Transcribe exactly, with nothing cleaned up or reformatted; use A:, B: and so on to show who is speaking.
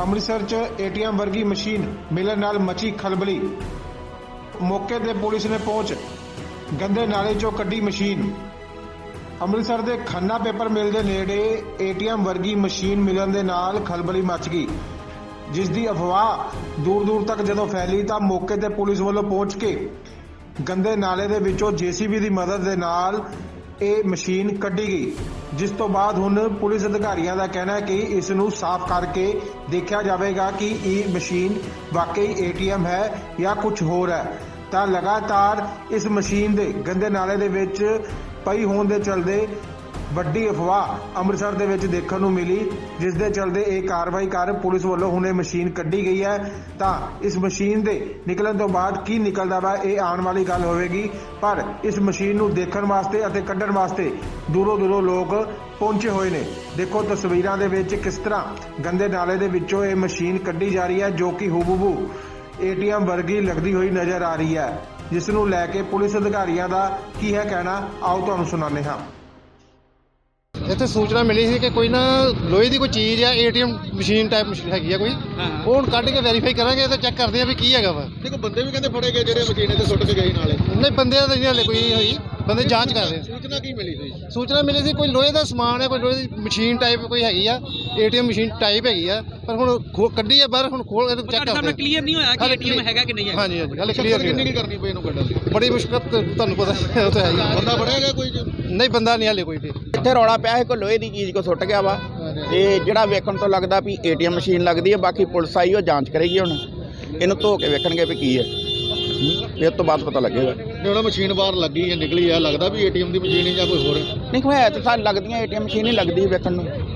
A: ਅੰਮ੍ਰਿਤਸਰ 'ਚ ਏਟੀਐਮ ਵਰਗੀ ਮਸ਼ੀਨ ਮਿਲਣ ਨਾਲ ਮਚੀ ਖਲਬਲੀ। ਮੌਕੇ ਤੇ ਪੁਲਿਸ ਨੇ ਪਹੁੰਚ ਗੰਦੇ ਨਾਲੇ 'ਚੋਂ ਕੱਢੀ ਮਸ਼ੀਨ। ਅੰਮ੍ਰਿਤਸਰ ਦੇ ਖੰਨਾ ਪੇਪਰ ਮਿਲ ਦੇ ਨੇੜੇ ਏਟੀਐਮ ਵਰਗੀ ਮਸ਼ੀਨ ਮਿਲਣ ਦੇ ਨਾਲ ਖਲਬਲੀ ਮਚ ਗਈ, ਜਿਸ ਦੀ ਅਫਵਾਹ ਦੂਰ ਦੂਰ ਤੱਕ ਜਦੋਂ ਫੈਲੀ ਤਾਂ ਮੌਕੇ ਤੇ ਪੁਲਿਸ ਵੱਲੋਂ ਪਹੁੰਚ ਕੇ ਗੰਦੇ ਨਾਲੇ ਦੇ ਵਿੱਚੋਂ ਜੇਸੀਬੀ ਦੀ ਮਦਦ ਦੇ ਨਾਲ ਇਹ ਮਸ਼ੀਨ ਕੱਢੀ ਗਈ, ਜਿਸ ਤੋਂ ਬਾਅਦ ਹੁਣ ਪੁਲਿਸ ਅਧਿਕਾਰੀਆਂ ਦਾ ਕਹਿਣਾ ਹੈ ਕਿ ਇਸ ਨੂੰ ਸਾਫ਼ ਕਰਕੇ ਦੇਖਿਆ ਜਾਵੇਗਾ ਕਿ ਇਹ ਮਸ਼ੀਨ ਵਾਕਈ ਏਟੀਐਮ ਹੈ ਜਾਂ ਕੁਝ ਹੋਰ ਹੈ। ਤਾਂ ਲਗਾਤਾਰ ਇਸ ਮਸ਼ੀਨ ਦੇ ਗੰਦੇ ਨਾਲੇ ਦੇ ਵਿੱਚ ਪਈ ਹੋਣ ਦੇ ਚਲਦੇ ਵੱਡੀ ਅਫਵਾਹ ਅੰਮ੍ਰਿਤਸਰ ਦੇ ਵਿੱਚ ਦੇਖਣ ਨੂੰ ਮਿਲੀ, ਜਿਸ ਦੇ ਚਲਦੇ ਇਹ ਕਾਰਵਾਈ ਕਰ ਪੁਲਿਸ ਵੱਲੋਂ ਹੁਣ ਇਹ ਮਸ਼ੀਨ ਕੱਢੀ ਗਈ ਹੈ। ਤਾਂ ਇਸ ਮਸ਼ੀਨ ਦੇ ਨਿਕਲਣ ਤੋਂ ਬਾਅਦ ਕੀ ਨਿਕਲਦਾ ਵਾ ਇਹ ਆਉਣ ਵਾਲੀ ਗੱਲ ਹੋਵੇਗੀ, ਪਰ ਇਸ ਮਸ਼ੀਨ ਨੂੰ ਦੇਖਣ ਵਾਸਤੇ ਅਤੇ ਕੱਢਣ ਵਾਸਤੇ ਦੂਰੋਂ ਦੂਰੋਂ ਲੋਕ ਪਹੁੰਚੇ ਹੋਏ ਨੇ। ਦੇਖੋ ਤਸਵੀਰਾਂ ਦੇ ਵਿੱਚ ਕਿਸ ਤਰ੍ਹਾਂ ਗੰਦੇ ਨਾਲੇ ਦੇ ਵਿੱਚੋਂ ਇਹ ਮਸ਼ੀਨ ਕੱਢੀ ਜਾ ਰਹੀ ਹੈ, ਜੋ ਕਿ ਹੂਬਹੂ ਏਟੀਐਮ ਵਰਗੀ ਲੱਗਦੀ ਹੋਈ ਨਜ਼ਰ ਆ ਰਹੀ ਹੈ, ਜਿਸ ਨੂੰ ਲੈ ਕੇ ਪੁਲਿਸ ਅਧਿਕਾਰੀਆਂ ਦਾ ਕੀ ਹੈ ਕਹਿਣਾ, ਆਓ ਤੁਹਾਨੂੰ ਸੁਣਾਉਂਦੇ ਹਾਂ।
B: ਇੱਥੇ ਸੂਚਨਾ ਮਿਲੀ ਸੀ ਕਿ ਕੋਈ ਨਾ ਲੋਹੇ ਦੀ ਕੋਈ ਚੀਜ਼ ਆ, ਏਟੀਐਮ ਮਸ਼ੀਨ ਟਾਈਪ ਮਸ਼ੀਨ ਹੈਗੀ ਆ ਕੋਈ, ਉਹ ਹੁਣ ਕੱਢ ਕੇ ਵੈਰੀਫਾਈ ਕਰਾਂਗੇ ਤੇ ਚੈੱਕ ਕਰਦੇ ਆ ਵੀ ਕੀ ਹੈਗਾ ਵਾ।
C: ਦੇਖੋ ਬੰਦੇ ਵੀ ਕਹਿੰਦੇ ਫੜੇ ਗਏ ਜਿਹੜੇ ਮਸ਼ੀਨ ਤੇ ਸੁੱਟ ਕੇ ਗਏ ਨਾਲੇ।
B: ਨਹੀਂ ਬੰਦਿਆਂ ਦਾ ਨਹੀਂ ਹਲੇ ਕੋਈ ਹੋਈ, ਬੰਦੇ ਜਾਂਚ ਕਰ ਰਹੇ।
C: ਸੂਚਨਾ ਕੀ ਮਿਲੀ ਸੀ?
B: ਸੂਚਨਾ ਮਿਲੀ ਸੀ ਕੋਈ ਲੋਹੇ ਦਾ ਸਮਾਨ ਹੈ, ਕੋਈ ਲੋਹੇ ਦੀ ਮਸ਼ੀਨ ਟਾਈਪ ਕੋਈ ਹੈਗੀ ਆ, ਏਟੀਐਮ ਮਸ਼ੀਨ ਟਾਈਪ ਹੈਗੀ ਆ, ਪਰ ਹੁਣ ਕੱਢੀ ਆ ਬਾਹਰ, ਹੁਣ ਖੋਲ ਕੇ ਚੈੱਕ ਕਰਦੇ ਆ।
D: ਕਲੀਅਰ ਨਹੀਂ ਹੋਇਆ ਕਿ ਏਟੀਐਮ ਹੈਗਾ ਕਿ ਨਹੀਂ ਹੈ।
B: ਹਾਂਜੀ ਹਾਂਜੀ ਹਲੇ ਕਲੀਅਰ
C: ਕਿੰਨੀ ਕੀ ਕਰਨੀ ਪਈ ਇਹਨੂੰ ਕੱਢਣ ਦੀ?
B: ਬੜੀ ਮੁਸ਼ਕਲ ਤੁਹਾਨੂੰ ਪਤਾ ਉਹ ਤਾਂ ਹੈ ਹੀ।
C: ਬੰਦਾ ਫੜਿਆ ਗਿਆ ਕੋਈ?
B: ਨਹੀਂ ਬੰਦਾ ਨਹੀਂ ਹਲੇ ਕੋਈ ਵੀ।
E: ਇੱਥੇ ਰੌਲਾ ਪਿਆ ਹੈ ਕੋਈ ਲੋਹੇ ਦੀ ਚੀਜ਼ ਕੋ ਸੁੱਟ ਗਿਆ ਵਾ, ਤੇ ਜਿਹੜਾ ਵੇਖਣ ਤੋਂ ਲੱਗਦਾ ਵੀ ਏਟੀਐਮ ਮਸ਼ੀਨ ਲੱਗਦੀ ਹੈ। ਬਾਕੀ ਪੁਲਿਸ ਆਈ ਉਹ ਜਾਂਚ ਕਰੇਗੀ, ਹੁਣ ਇਹਨੂੰ ਧੋ ਕੇ ਵੇਖਣਗੇ ਵੀ ਕੀ ਹੈ, ਇਹ ਤੋਂ ਬਾਅਦ ਪਤਾ ਲੱਗੇਗਾ।
C: ਜਿਹੜਾ ਮਸ਼ੀਨ ਬਾਹਰ ਲੱਗੀ ਹੈ ਨਿਕਲੀ ਹੈ, ਲੱਗਦਾ ਵੀ ਏਟੀਐਮ ਦੀ ਮਸ਼ੀਨ ਹੈ ਜਾਂ ਕੋਈ ਹੋਰ?
E: ਨਹੀਂ ਹੋਇਆ ਤਾਂ ਸਾਨੂੰ ਲੱਗਦੀਆਂ ਏਟੀਐਮ ਮਸ਼ੀਨ ਹੀ ਲੱਗਦੀ ਵੇਖਣ ਨੂੰ।